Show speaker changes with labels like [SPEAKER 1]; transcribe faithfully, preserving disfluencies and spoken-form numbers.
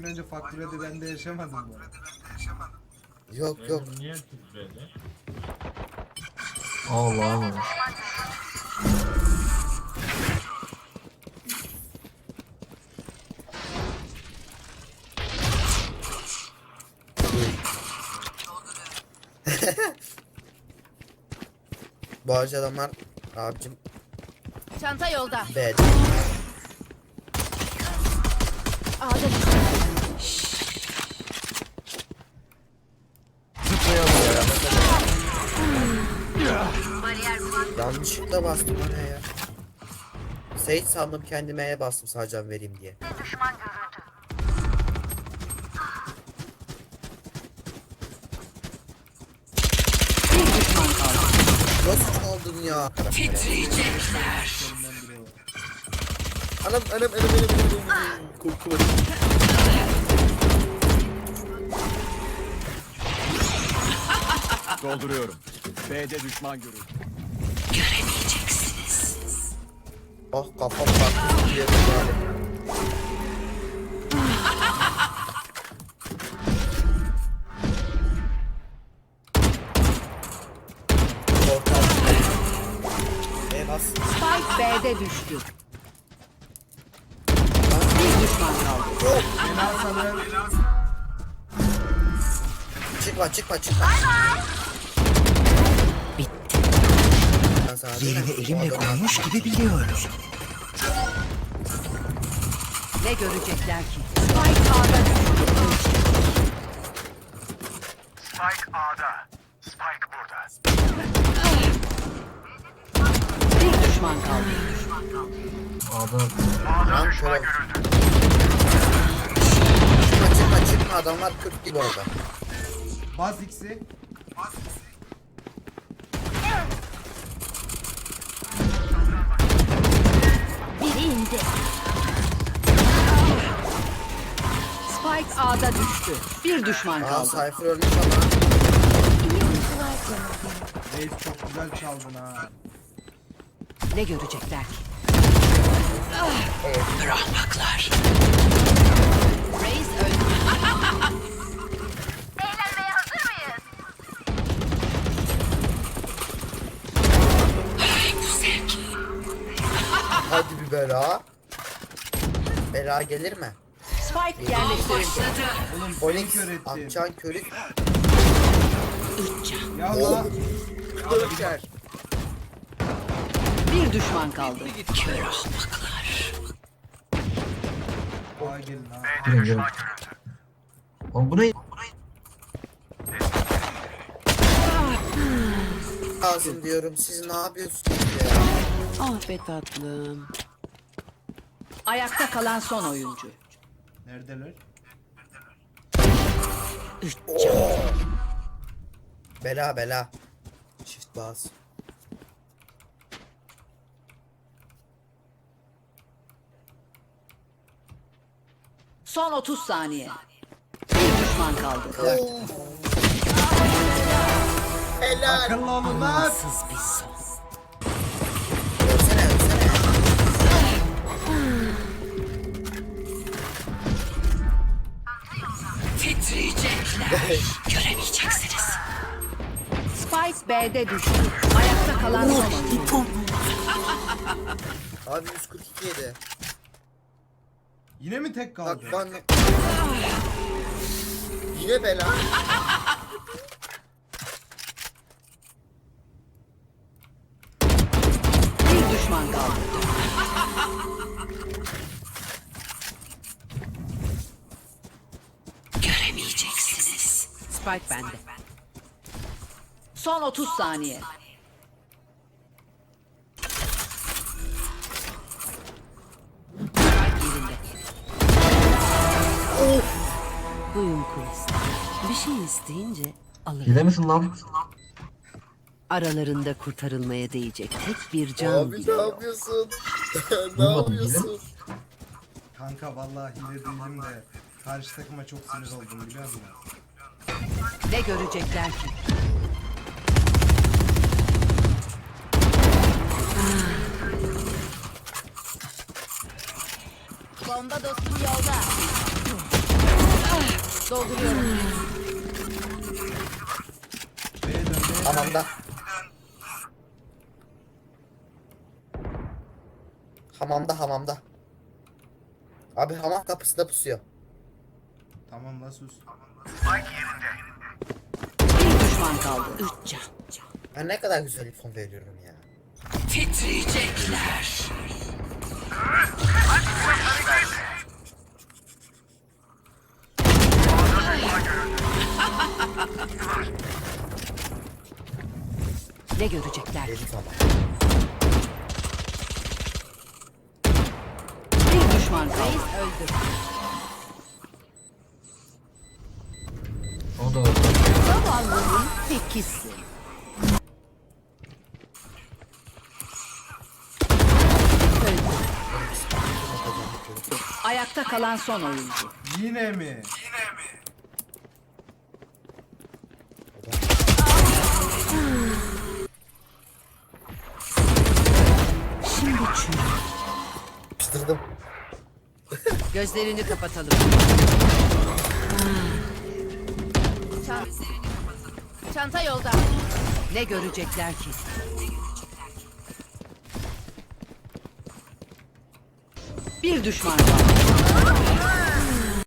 [SPEAKER 1] gün önce fakirede ben de yaşamadım mı?
[SPEAKER 2] Yok yok.
[SPEAKER 3] Niye titredi?
[SPEAKER 4] Allah Allah.
[SPEAKER 2] Bu arada adamlar abicim
[SPEAKER 5] Çanta yolda.
[SPEAKER 2] B'de.
[SPEAKER 5] Ağda
[SPEAKER 2] Yanlışlıkla bastım oraya ya. Sage sandım kendime E'ye bastım sadece vereyim diye.
[SPEAKER 5] bir düşman kaldı.
[SPEAKER 2] Nasıl çaldın ya?
[SPEAKER 5] Titriyecekler.
[SPEAKER 2] Anam anam anam anam anam. Korkuyorum.
[SPEAKER 6] Dolduruyorum. B'de düşman görüldü.
[SPEAKER 5] Göremeyeceksiniz.
[SPEAKER 2] Ah kafam baktı diye böyle. Portal. E bas.
[SPEAKER 5] Spike B'de düştü. Bir düşman kaldı.
[SPEAKER 1] Fena sanırım.
[SPEAKER 2] Çıkma çıkma çıkma.
[SPEAKER 5] Bitti.
[SPEAKER 2] Ben sana
[SPEAKER 7] Yerini
[SPEAKER 2] diyeyim,
[SPEAKER 7] elimle
[SPEAKER 2] bu adam-
[SPEAKER 7] koymuş gibi biliyorum.
[SPEAKER 5] Ne görecekler ki? Spike A'da düştü.
[SPEAKER 6] Spike A'da. Spike burada.
[SPEAKER 5] Bir düşman kaldı.
[SPEAKER 4] Adam
[SPEAKER 2] Lan şöyle. Çıkma çıkma çıkma adamlar kırk gibi orada.
[SPEAKER 1] Baz X'i.
[SPEAKER 5] Biri indi. Spike A'da düştü. Bir düşman
[SPEAKER 2] Aa
[SPEAKER 5] kaldı.
[SPEAKER 2] Cypher ölmüş ama.
[SPEAKER 1] Reis çok güzel çaldın ha.
[SPEAKER 5] Ne görecekler ki? Bırakmaklar. Reis öldü.
[SPEAKER 8] Eğlenmeye hazır mıyız?
[SPEAKER 2] Hadi bir bela. Bela gelir mi?
[SPEAKER 5] Spike yerleştirildi.
[SPEAKER 1] Oğlum
[SPEAKER 2] Onyx
[SPEAKER 1] kör ettin.
[SPEAKER 2] atacağın körü.
[SPEAKER 1] Ya la.
[SPEAKER 2] Döker.
[SPEAKER 5] Bir düşman kaldı. Kör ahmaklar.
[SPEAKER 1] Aa gelin ha.
[SPEAKER 4] gelin gelin. Oğlum bu ne?
[SPEAKER 2] Lazım diyorum. Siz ne yapıyorsunuz ya?
[SPEAKER 5] Ah be tatlım. Ayakta kalan son oyuncu.
[SPEAKER 1] Neredeler?
[SPEAKER 5] Üç
[SPEAKER 2] Bela bela. Çift bas.
[SPEAKER 5] Son otuz saniye. Bir düşman kaldı.
[SPEAKER 2] Helal.
[SPEAKER 1] Akıllı olun lan.
[SPEAKER 5] Sız bir son.
[SPEAKER 2] Ölsene ölsene.
[SPEAKER 5] Titriyecekler. Göremeyeceksiniz. Spike B'de düştü. Ayakta kalan son oyuncu.
[SPEAKER 2] Abi yüz kırk iki yedi.
[SPEAKER 1] Yine mi tek kaldı?
[SPEAKER 2] Bak ben... Yine bela.
[SPEAKER 5] Bir düşman kaldı. Göremeyeceksiniz. Spike bende. Son otuz saniye. Spike yerinde. Buyurun kulis. Bir şey isteyince alırım.
[SPEAKER 4] Hile misin lan?
[SPEAKER 5] Aralarında kurtarılmaya değecek tek bir can
[SPEAKER 2] Abi
[SPEAKER 5] bile
[SPEAKER 2] ne
[SPEAKER 5] yok.
[SPEAKER 2] yapıyorsun? ne
[SPEAKER 4] Duymadım,
[SPEAKER 2] yapıyorsun?
[SPEAKER 1] Kanka vallahi hile değilim de karşı takıma çok sinir oldum biliyor musun?
[SPEAKER 5] Ne görecekler ki?
[SPEAKER 8] Bomba dostum yolda.
[SPEAKER 5] Dolduruyorum.
[SPEAKER 1] B'ye dön, B'ye dön.
[SPEAKER 2] Hamamda. Hamamda hamamda. Abi hamam kapısında pusuyor.
[SPEAKER 1] Tamam la sus.
[SPEAKER 5] Bir düşman kaldı. Üç can.
[SPEAKER 2] Ben ne kadar güzel info veriyorum ya.
[SPEAKER 5] Titriyecekler. Ne görecekler?
[SPEAKER 2] Dedik ama.
[SPEAKER 5] Bir düşman kaldı. Öldü.
[SPEAKER 4] O da orada.
[SPEAKER 5] Zavallının tekisi. Öldü. Ayakta kalan son oyuncu.
[SPEAKER 1] Yine mi?
[SPEAKER 5] Şimdi çürü.
[SPEAKER 2] Piştirdim.
[SPEAKER 5] Gözlerini kapatalım.
[SPEAKER 3] Çanta yolda.
[SPEAKER 5] Ne görecekler ki? Bir düşman kaldı.